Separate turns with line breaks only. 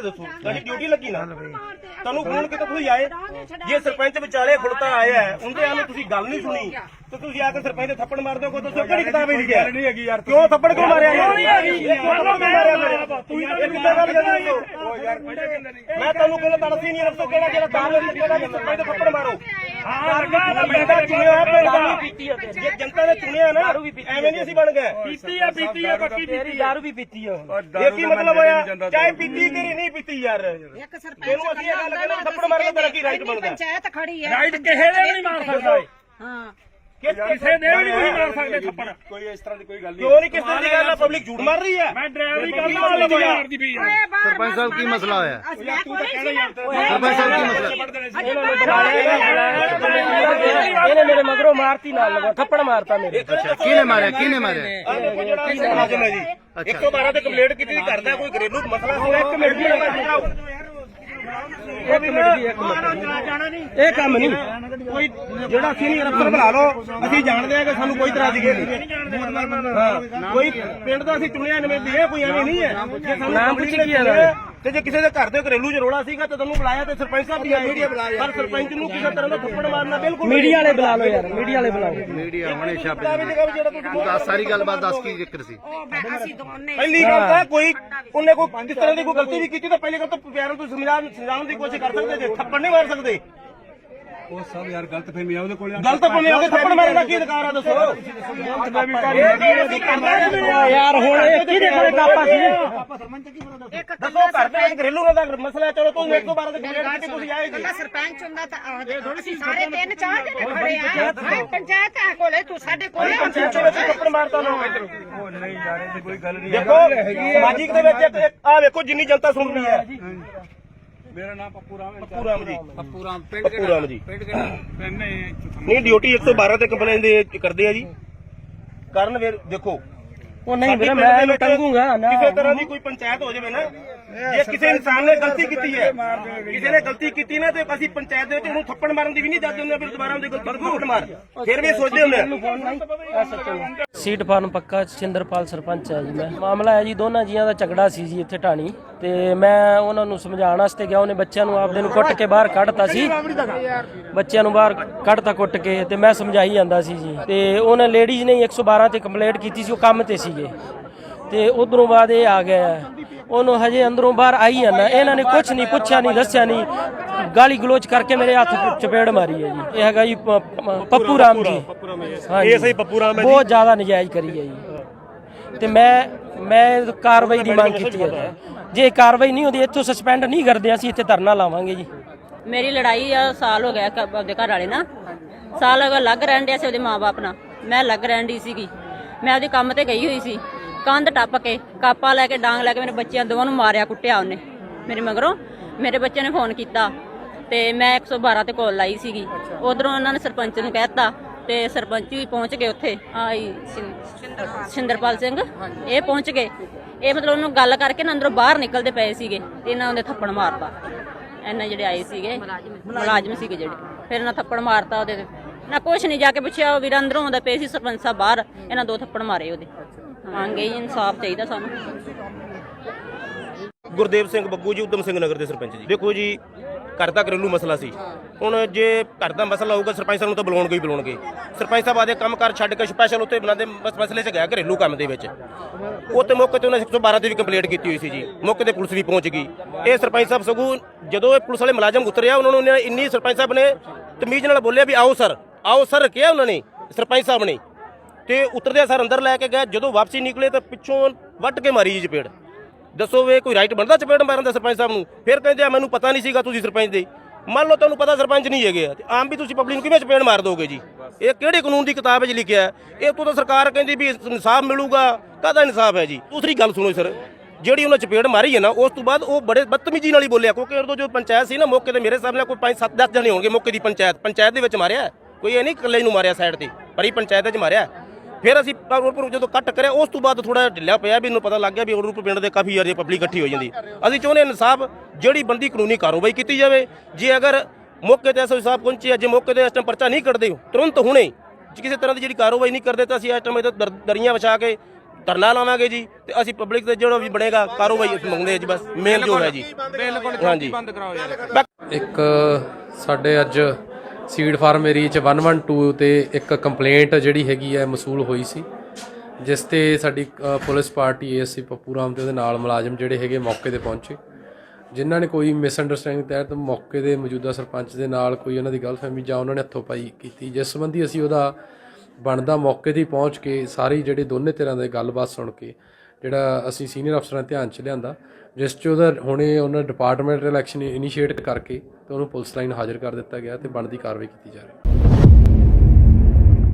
ਗੱਲ ਦੱਸੋ, ਤੁਹਾਡੀ ਡਿਊਟੀ ਲੱਗੀ ਨਾ, ਤੁਹਾਨੂੰ ਫੋਨ ਕੀਤਾ ਤੁਸੀਂ ਆਏ। ਜੇ ਸਰਪੰਚ ਵਿਚਾਲੇ ਖੁਲਤਾ ਆਇਆ ਉਹਦੇ ਆਲੇ ਤੁਸੀਂ ਗੱਲ ਨਹੀਂ ਸੁਣੀ ਤੇ ਤੁਸੀਂ ਆ ਕੇ ਸਰਪੰਚ ਦੇ ਥੱਪੜ ਮਾਰ ਦਿਓ। ਕੋਈ ਦੱਸੋ ਕਿਹੜੀ ਕਿਤਾਬ ਵਿੱਚ ਲਿਖਿਆ ਨਹੀਂ ਹੈਗੀ ਯਾਰ, ਕਿਉਂ ਥੱਪੜ ਕਿਉਂ ਮਾਰਿਆ ਯਾਰ? ਮੈਂ ਤੁਹਾਨੂੰ ਕਹਿੰਦਾ ਤੜਸੀ ਨਹੀਂ ਰੱਖੋ ਕਿਹੜਾ ਜਿਹੜਾ ਦਾਲ ਕਿਹੜਾ ਸਰਪੰਚ ਦੇ ਥੱਪੜ ਮਾਰੋ। ਜੇ ਜਨਤਾ ਨੇ ਚੁਣਿਆ ਨਾ ਐਵੇਂ ਨਹੀਂ ਅਸੀਂ ਬਣ ਗਏ।
ਪੀਤੀ ਆ ਪੱਕੀ ਪੀਤੀ,
ਦਾਰੂ ਵੀ ਪੀਤੀ ਆ।
ਇਹ ਕੀ ਮਤਲਬ ਹੋਇਆ? ਚਾਹੇ ਪੀਤੀ ਕਿ ਨਹੀਂ ਪੀਤੀ ਯਾਰ, ਇਹਨੂੰ ਅਸੀਂ ਇਹ ਗੱਲ ਕਹਿੰਦੇ ਥੱਪੜ ਮਾਰਨ ਦਾ ਤੇਰਾ ਕੀ ਰਾਈਟ ਬਣਦਾ?
ਪੰਚਾਇਤ ਖੜੀ ਹੈ,
ਰਾਈਟ ਕਿਸੇ ਦੇ ਵੀ ਨਹੀਂ ਮਾਰ ਸਕਦਾ।
ਹਾਂ
ਕਿਸੇ ਦੇ ਵੀ ਨਹੀਂ ਮਾਰ ਸਕਦੇ ਥੱਪੜ।
ਕੋਈ ਇਸ ਤਰ੍ਹਾਂ ਦੀ ਕੋਈ ਗੱਲ ਨਹੀਂ।
ਕਿਉਂ ਨਹੀਂ ਕਿਸ ਤਰ੍ਹਾਂ ਦੀ ਗੱਲ ਆ? ਪਬਲਿਕ ਝੂਠ ਮਾਰ ਰਹੀ ਹੈ।
ਮੈਂ ਡਰਾਈਵਰੀ ਕਰਦੀ ਪਈ ਆ।
ਸਰਪੰਚ ਸਾਹਿਬ ਕੀ ਮਸਲਾ ਹੋਇਆ?
ਤੂੰ ਤਾਂ ਕਹਿਣਾ ਯਾਰ,
ਸਰਪੰਚ ਸਾਹਿਬ ਕੀ ਮਸਲਾ? ਇਹਨੇ ਮੇਰੇ ਮਗਰੋਂ ਮਾਰਤੀ, ਨਾਲ ਲਗਾ ਥੱਪੜ ਮਾਰਤਾ ਮੇਰੇ। ਕਿਹਨੇ ਮਾਰਿਆ? ਕਿਹਨੇ ਮਾਰਿਆ?
ਆ ਦੇਖੋ ਜਿਹੜਾ ਮੁਲਾਜ਼ਮ ਹੈ ਜੀ 112 ਤੇ ਕੰਪਲੇਂਟ ਕੀਤੀ ਸੀ, ਕਰਦਾ ਕੋਈ ਘਰੇਲੂ ਮਸਲਾ ਹੋਇਆ। ਇੱਕ ਮਿੰਟ ਦੀ ਇਹ ਕੰਮ ਨਹੀਂ ਕੋਈ, ਜਿਹੜਾ ਸੀਨੀਅਰ ਅਫਸਰ ਬੁਲਾ ਲਓ, ਅਸੀਂ ਜਾਣਦੇ ਹਾਂ ਕਿ ਸਾਨੂੰ ਕੋਈ ਤਰ੍ਹਾਂ ਦੀ ਨਹੀਂ। ਕੋਈ ਪਿੰਡ ਦਾ ਅਸੀਂ ਚੁਣਿਆ ਨਵੇਂ ਇਹ ਕੋਈ ਐਵੇਂ ਨਹੀਂ ਹੈ। ਜੇ ਸਾਨੂੰ
ਨਾਮ ਪੁੱਛ ਕੀ ਹੈ
ਤੇ ਜੇ ਕਿਸੇ ਦੇ ਘਰ ਦੇ ਘਰੇਲੂ ਚ ਰੋਲਾ ਸੀਗਾ ਤੇ ਤੁਹਾਨੂੰ ਬੁਲਾਇਆ ਤੇ ਸਰਪੰਚ ਸਾਹਿਬ ਵੀ ਆਏ, ਪਰ ਸਰਪੰਚ ਨੂੰ ਕਿਸੇ ਤਰ੍ਹਾਂ ਦਾ ਥੱਪੜ ਮਾਰਨਾ ਬਿਲਕੁਲ
ਮੀਡੀਆ ਵਾਲੇ ਬੁਲਾ ਲਓ ਯਾਰ, ਮੀਡੀਆ ਵਾਲੇ ਬੁਲਾਓ।
ਮੀਡੀਆ ਹੁਣੇ ਛਾਪੇ
ਦੱਸ ਸਾਰੀ ਗੱਲਬਾਤ ਦੱਸ ਕੀ ਜ਼ਿਕਰ ਸੀ।
ਅਸੀਂ ਦੋਨੇ
ਪਹਿਲੀ ਗੱਲ ਤਾਂ ਕੋਈ ਉਹਨੇ ਕੋਈ ਕਿਸ ਤਰ੍ਹਾਂ ਦੀ ਕੋਈ ਗਲਤੀ ਵੀ ਕੀਤੀ ਤਾਂ ਪਹਿਲੀ ਗੱਲ ਤਾਂ ਪਿਆਰਾਂ ਤੋਂ ਸਮਝਾਉਣ ਦੀ ਕੋਸ਼ਿਸ਼ ਕਰ ਸਕਦੇ ਜੇ, ਥੱਪੜ ਨਹੀਂ ਮਾਰ ਸਕਦੇ।
ਉਹ ਸਭ ਯਾਰ ਗਲਤ ਫਹਿਮੀ ਆ ਉਹਦੇ ਕੋਲ।
ਗਲਤ ਭਾਵੇਂ ਉਹਦੇ ਥੱਪੜ ਮਾਰਨ ਦਾ ਕੀ ਅਧਿਕਾਰ ਆ ਦੱਸੋ?
ਯਾਰ ਹੁਣ ਇਹ ਕਿਹਦੇ ਕੋਲੇ ਕਾਪਾ ਸੀ?
ਦੱਸੋ ਘਰ ਦੇ ਵਿੱਚ ਘਰੇਲੂ ਦਾ ਮਸਲਾ ਹੈ, ਚਲੋ ਤੁਸੀਂ 112 ਦੇ ਕੰਪਲੇਂਟ ਕੀਤੀ, ਤੁਸੀਂ ਆਏ ਜੀ।
ਸਰਪੰਚ ਹੁੰਦਾ ਤਾਂ ਅਸੀਂ ਸਾਰੇ 3-4 ਜਣੇ ਖੜੇ ਆ। ਪੰਚਾਇਤ ਆ ਕੋਲੇ, ਤੂੰ ਸਾਡੇ ਕੋਲੇ
ਪੰਚਾਇਤ ਦੇ ਵਿੱਚ ਥੱਪੜ ਮਾਰਤਾ ਨਾ
ਉਹ ਨਹੀਂ ਯਾਰ ਇਹ ਕੋਈ ਗੱਲ ਨਹੀਂ।
ਦੇਖੋ ਸਮਾਜਿਕ ਦੇ ਵਿੱਚ ਆ ਵੇਖੋ ਜਿੰਨੀ ਜਨਤਾ ਸੁਣ ਰਹੀ ਹੈ।
ਮੇਰਾ ਨਾਮ ਪੱਪੂ ਰਾਮ ਹੈ।
ਪੱਪੂ ਰਾਮ ਜੀ,
ਪੱਪੂ ਰਾਮ ਪਿੰਡ
ਪੱਪੂ ਰਾਮ ਜੀ।
ਪਿੰਡ ਕਿਹੜਾ? ਪਿੰਡ
ਨਹੀਂ ਡਿਊਟੀ 112 ਤੇ ਕੰਪਲੇਂਟ ਦੇ ਕਰਦੇ ਆ ਜੀ। ਕਰਨ ਫਿਰ ਦੇਖੋ
ਉਹ ਨਹੀਂ ਵੀਰੇ, ਮੈਂ ਇਹਨੂੰ ਟੰਗੂਗਾ ਨਾ।
ਕਿਸੇ ਤਰ੍ਹਾਂ ਦੀ ਕੋਈ ਪੰਚਾਇਤ ਹੋ ਜਾਵੇ ਨਾ, ਜੇ ਕਿਸੇ ਇਨਸਾਨ ਨੇ ਗਲਤੀ ਕੀਤੀ ਹੈ, ਕਿਸੇ ਨੇ ਗਲਤੀ ਕੀਤੀ ਨਾ ਤੇ ਅਸੀਂ ਪੰਚਾਇਤ ਦੇ ਵਿੱਚ ਉਹਨੂੰ ਥੱਪੜ ਮਾਰਨ ਦੀ ਵੀ ਨਹੀਂ ਦੱਸਦੇ ਹੁੰਦੇ, ਫਿਰ ਦੁਬਾਰਾ ਉਹਦੇ ਕੋਲ ਥੱਪੜ ਮਾਰ ਫਿਰ ਵੀ ਸੋਚਦੇ ਹੁੰਦੇ।
ਸੀਟ ਫਾਰਮ ਪੱਕਾ ਸਿੰਦਰਪਾਲ ਸਰਪੰਚ ਹੈ ਜੀ। ਮੈਂ ਮਾਮਲਾ ਹੈ ਜੀ, ਦੋਨਾਂ ਜੀਆਂ ਦਾ ਝਗੜਾ ਸੀ ਜੀ ਇੱਥੇ ਢਾਣੀ, ਤੇ ਮੈਂ ਉਹਨਾਂ ਨੂੰ ਸਮਝਾਉਣ ਵਾਸਤੇ ਗਿਆ। ਉਹਨੇ ਬੱਚਿਆਂ ਨੂੰ ਆਪਦੇ ਨੂੰ ਕੁੱਟ ਕੇ ਬਾਹਰ ਕੱਢਤਾ ਸੀ, ਬੱਚਿਆਂ ਨੂੰ ਬਾਹਰ ਕੱਢਤਾ ਕੁੱਟ ਕੇ, ਤੇ ਮੈਂ ਸਮਝਾਈ ਜਾਂਦਾ ਸੀ ਜੀ। ਤੇ ਉਹਨੇ ਲੇਡੀਜ਼ ਨੇ 112 ਤੇ ਕੰਪਲੇਂਟ ਕੀਤੀ ਸੀ, ਉਹ ਕੰਮ ਤੇ ਸੀਗੇ, ਤੇ ਉਧਰੋਂ ਬਾਅਦ ਇਹ ਆ ਗਿਆ। ਉਹਨੂੰ ਹਜੇ ਅੰਦਰੋਂ ਬਾਹਰ ਆਈ ਆ ਨਾ, ਇਹਨਾਂ ਨੇ ਕੁਝ ਨਹੀਂ ਪੁੱਛਿਆ, ਨਹੀਂ ਦੱਸਿਆ, ਨਹੀਂ ਗਾਲੀ ਗਲੋਚ ਕਰਕੇ ਮੇਰੇ ਹੱਥ ਚਪੇੜ ਮਾਰੀ ਹੈ ਜੀ। ਇਹ ਹੈਗਾ ਜੀ ਪੱਪੂ ਰਾਮ ਜੀ।
ਇਹ ਸਹੀ ਪੱਪੂ ਰਾਮ ਹੈ ਜੀ।
ਬਹੁਤ ਜ਼ਿਆਦਾ ਨਜਾਇਜ਼ ਕਰੀ ਹੈ ਜੀ, ਤੇ ਮੈਂ ਕਾਰਵਾਈ ਦੀ ਮੰਗ ਕੀਤੀ ਹੈ। ਜੇ ਕਾਰਵਾਈ ਨਹੀਂ ਹੁੰਦੀ ਇੱਥੋਂ ਸਸਪੈਂਡ ਨਹੀਂ ਕਰਦੇ, ਅਸੀਂ ਇੱਥੇ ਧਰਨਾ ਲਾਵਾਂਗੇ ਜੀ।
ਮੇਰੀ ਲੜਾਈ ਆ ਸਾਲ ਹੋ ਗਿਆ ਆਪਦੇ ਘਰ ਵਾਲੇ ਨਾਲ, ਸਾਲ ਅਗਰ ਲੱਗ ਰਹਿਣ ਡਿਆ ਸੀ ਉਹਦੇ ਮਾਂ-ਬਾਪ ਨਾਲ, ਮੈਂ ਲੱਗ ਰਹਿਣ ਦੀ ਸੀਗੀ। ਮੈਂ ਉਹਦੇ ਕੰਮ ਤੇ ਗਈ ਹੋਈ ਸੀ, ਕੰਧ ਟੱਪ ਕੇ ਕਾਪਾ ਲੈ ਕੇ ਡਾਂਗ ਲੈ ਕੇ ਮੇਰੇ ਬੱਚਿਆਂ ਦੋਵਾਂ ਨੂੰ ਮਾਰਿਆ ਕੁੱਟਿਆ ਉਹਨੇ। ਮੇਰੇ ਮਗਰੋਂ ਮੇਰੇ ਬੱਚੇ ਨੇ ਫੋਨ ਕੀਤਾ ਤੇ ਮੈਂ 112 ਤੇ ਕਾਲ ਲਾਈ ਸੀਗੀ। ਉਧਰੋਂ ਉਹਨਾਂ ਨੇ ਸਰਪੰਚ ਨੂੰ ਕਹਿਤਾ ਤੇ ਸਰਪੰਚ ਵੀ ਪਹੁੰਚ ਗਏ ਉੱਥੇ, ਆਈ ਸਿੰਦਰਪਾਲ ਸਿੰਘ ਇਹ ਪਹੁੰਚ ਗਏ। ਇਹ ਮਤਲਬ ਉਹਨੂੰ ਗੱਲ ਕਰਕੇ ਨਾ ਅੰਦਰੋਂ ਬਾਹਰ ਨਿਕਲਦੇ ਪਏ ਸੀਗੇ ਤੇ ਇਹਨਾਂ ਉਹਦੇ ਥੱਪੜ ਮਾਰਤਾ। ਇਹਨਾਂ ਜਿਹੜੇ ਆਏ ਸੀਗੇ ਮੁਲਾਜ਼ਮ ਸੀਗੇ ਜਿਹੜੇ, ਫਿਰ ਇਹਨਾਂ ਥੱਪੜ ਮਾਰਤਾ ਉਹਦੇ ਤੇ। ਨਾ ਕੁਛ ਨਹੀਂ, ਜਾ ਕੇ ਪੁੱਛਿਆ, ਉਹ ਵੀਰ ਅੰਦਰੋਂ ਆਉਂਦਾ ਪਏ ਸੀ ਸਰਪੰਚ ਸਾਹਿਬ ਬਾਹਰ, ਇਹਨਾਂ 2 ਥੱਪੜ ਮਾਰੇ ਉਹਦੇ। ਮੰਗੇ ਇਨਸਾਫ ਚਾਹੀਦਾ ਸਾਨੂੰ।
ਗੁਰਦੇਵ ਸਿੰਘ ਬੱਗੂ ਜੀ, ਉਦਮ ਸਿੰਘ ਨਗਰ ਦੇ ਸਰਪੰਚ ਜੀ। ਦੇਖੋ ਜੀ ਘਰ ਦਾ ਘਰੇਲੂ ਮਸਲਾ ਸੀ, ਹੁਣ ਜੇ ਘਰ ਦਾ ਮਸਲਾ ਹੋਊਗਾ ਸਰਪੰਚ ਸਾਹਿਬ ਨੂੰ ਤਾਂ ਬੁਲਾਉਣਗੇ। ਸਰਪੰਚ ਸਾਹਿਬ ਆਦੇ ਕੰਮ ਕਾਰ ਛੱਡ ਕੇ ਸਪੈਸ਼ਲ ਉੱਥੇ ਬਣਾਦੇ ਮਸਲੇ 'ਚ ਗਿਆ ਘਰੇਲੂ ਕੰਮ ਦੇ ਵਿੱਚ। ਉੱਥੇ ਮੌਕੇ ਤੇ ਉਹਨੇ 112 ਤੇ ਵੀ ਕੰਪਲੇਂਟ ਕੀਤੀ ਹੋਈ ਸੀ ਜੀ, ਮੌਕੇ ਤੇ ਪੁਲਿਸ ਵੀ ਪਹੁੰਚ ਗਈ। ਇਹ ਸਰਪੰਚ ਸਾਹਿਬ ਸਗੋਂ ਜਦੋਂ ਇਹ ਪੁਲਿਸ ਵਾਲੇ ਮੁਲਾਜ਼ਮ ਉਤਰਿਆ, ਉਹਨਾਂ ਨੂੰ ਇੰਨੀ ਸਰਪੰਚ ਸਾਹਿਬ ਨੇ ਤਮੀਜ਼ ਨਾਲ ਬੋਲਿਆ ਵੀ ਆਓ ਸਰ ਕਿਹਾ ਉਹਨਾਂ ਨੇ ਸਰਪੰਚ ਸਾਹਿਬ ਨੇ, ਤੇ ਉਤਰਦਿਆਂ ਸਰ ਅੰਦਰ ਲੈ ਕੇ ਗਏ। ਜਦੋਂ ਵਾਪਸੀ ਨਿਕਲੇ ਤਾਂ ਪਿੱਛੋਂ ਵੱਟ ਕੇ ਮਾਰੀ ਜੀ ਚਪੇੜ। ਦੱਸੋ ਵੇ ਕੋਈ ਰਾਈਟ ਬਣਦਾ ਚਪੇੜ ਮਾਰਨ ਦਾ ਸਰਪੰਚ ਸਾਹਿਬ ਨੂੰ? ਫਿਰ ਕਹਿੰਦੇ ਆ ਮੈਨੂੰ ਪਤਾ ਨਹੀਂ ਸੀਗਾ ਤੁਸੀਂ ਸਰਪੰਚ ਦੇ। ਮੰਨ ਲਓ ਤੁਹਾਨੂੰ ਪਤਾ ਸਰਪੰਚ ਨਹੀਂ ਹੈਗੇ ਆ, ਤੇ ਆਮ ਵੀ ਤੁਸੀਂ ਪਬਲਿਕ ਨੂੰ ਕਿਵੇਂ ਚਪੇੜ ਮਾਰ ਦੋਗੇ ਜੀ? ਇਹ ਕਿਹੜੇ ਕਾਨੂੰਨ ਦੀ ਕਿਤਾਬ ਵਿੱਚ ਲਿਖਿਆ? ਇਹ ਤੋਂ ਤਾਂ ਸਰਕਾਰ ਕਹਿੰਦੀ ਵੀ ਇਨਸਾਫ ਮਿਲੂਗਾ, ਕਾਹਦਾ ਇਨਸਾਫ ਹੈ ਜੀ? ਦੂਸਰੀ ਗੱਲ ਸੁਣੋ ਸਰ, ਜਿਹੜੀ ਉਹਨਾਂ ਚਪੇੜ ਮਾਰੀ ਹੈ ਨਾ, ਉਸ ਤੋਂ ਬਾਅਦ ਉਹ ਬੜੇ ਬਦਤਮੀਜੀ ਨਾਲ ਹੀ ਬੋਲਿਆ, ਕਿਉਂਕਿ ਉਦੋਂ ਜੋ ਪੰਚਾਇਤ ਸੀ ਨਾ ਮੌਕੇ ਤੇ ਮੇਰੇ ਸਾਹਮਣੇ ਕੋਈ 5-7-10 ਜਣੇ ਹੋਣਗੇ ਮੌਕੇ ਦੀ ਪੰਚਾਇਤ ਦੇ ਵਿੱਚ ਮਾਰਿਆ। ਕੋਈ ਇਹ ਨਹੀਂ ਇਕੱਲੇ ਨੂੰ ਮਾਰਿਆ ਸਾਈਡ ਤੇ, ਪਰ ਹੀ ਪੰਚਾਇਤ 'ਚ ਮਾਰਿਆ। ਫਿਰ ਅਸੀਂ ਜਦੋਂ ਕੱਟ ਕਰਿਆ ਉਸ ਤੋਂ ਬਾਅਦ ਥੋੜਾ ਢਿੱਲਾ ਪਿਆ, ਵੀ ਇਹਨੂੰ ਪਤਾ ਲੱਗ ਗਿਆ ਵੀ ਉਹ ਪਿੰਡ ਦੇ ਕਾਫੀ ਯਾਰ ਪਬਲਿਕ ਇਕੱਠੀ ਹੋ ਜਾਂਦੀ। ਅਸੀਂ ਚਾਹੁੰਦੇ ਇਨਸਾਫ, ਜਿਹੜੀ ਬੰਦੀ ਕਾਨੂੰਨੀ ਕਾਰਵਾਈ ਕੀਤੀ ਜਾਵੇ। ਜੇ ਅਗਰ ਮੌਕੇ ਤੇ ਐਸਓ ਸਾਹਿਬ ਪਹੁੰਚੇ, ਜੇ ਮੌਕੇ ਤੇ ਇਸ ਟਾਈਮ ਪਰਚਾ ਨਹੀਂ ਕੱਢਦੇ ਤੁਰੰਤ ਹੁਣੇ, ਕਿਸੇ ਤਰ੍ਹਾਂ ਦੀ ਜਿਹੜੀ ਕਾਰਵਾਈ ਨਹੀਂ ਕਰਦੇ ਤਾਂ ਅਸੀਂ ਇਸ ਟਾਈਮ ਦਰੀਆਂ ਵਿਛਾ ਕੇ ਧਰਨਾ ਲਾਵਾਂਗੇ ਜੀ ਤੇ ਅਸੀਂ ਪਬਲਿਕ ਤੇ ਜਿਹੜਾ ਵੀ ਬਣੇਗਾ ਕਾਰੋਬਾਈ ਮੰਗਦੇ ਜੀ ਬਸ ਮੇਨ ਜੋ ਹੈ ਜੀ ਹਾਂਜੀ ਬੰਦ ਕਰਾਓ ਯਾਰ।
ਇੱਕ ਸਾਡੇ ਅੱਜ ਸੀਡ ਫਾਰਮ ਏਰੀਆ 'ਚ 112 ਤੇ ਇੱਕ ਕੰਪਲੇਂਟ ਜਿਹੜੀ ਹੈਗੀ ਹੈ ਮਸੂਲ ਹੋਈ ਸੀ, ਜਿਸ ਤੇ ਸਾਡੀ police party ASC Pappu Ram ਤੇ ਉਹਦੇ ਨਾਲ ਮੁਲਾਜ਼ਮ ਜਿਹੜੇ ਹੈਗੇ ਮੌਕੇ ਤੇ ਪਹੁੰਚੇ, ਜਿਨ੍ਹਾਂ ਨੇ ਕੋਈ ਮਿਸਅੰਡਰਸਟੈਂਡਿੰਗ ਤਹਿਤ ਮੌਕੇ ਦੇ ਮੌਜੂਦਾ ਸਰਪੰਚ ਦੇ ਨਾਲ ਕੋਈ ਉਹਨਾਂ ਦੀ ਗਲਤਫਹਿਮੀ ਜਾਂ ਉਹਨਾਂ ਨੇ ਹੱਥੋਂ ਪਾਈ ਕੀਤੀ, ਜਿਸ ਸੰਬੰਧੀ ਅਸੀਂ ਉਹਦਾ ਬਣਦਾ ਮੌਕੇ 'ਤੇ ਪਹੁੰਚ ਕੇ ਸਾਰੀ ਜਿਹੜੀ ਦੋਨੇ ਧਿਰਾਂ ਦੀ ਗੱਲਬਾਤ ਸੁਣ ਕੇ ਜਿਹੜਾ ਅਸੀਂ ਸੀਨੀਅਰ ਅਫਸਰਾਂ ਦੇ ਧਿਆਨ 'ਚ ਲਿਆਂਦਾ, ਜਿਸ 'ਚ ਉਹਦਾ ਹੁਣੇ ਉਹਨਾਂ ਡਿਪਾਰਟਮੈਂਟਲ ਐਕਸ਼ਨ ਇਨੀਸ਼ੀਏਟ ਕਰਕੇ ਤੇ ਉਹਨੂੰ ਪੁਲਿਸ ਲਾਈਨ ਹਾਜ਼ਰ ਕਰ ਦਿੱਤਾ ਗਿਆ ਤੇ ਬਣਦੀ ਕਾਰਵਾਈ ਕੀਤੀ ਜਾ ਰਹੀ ਹੈ।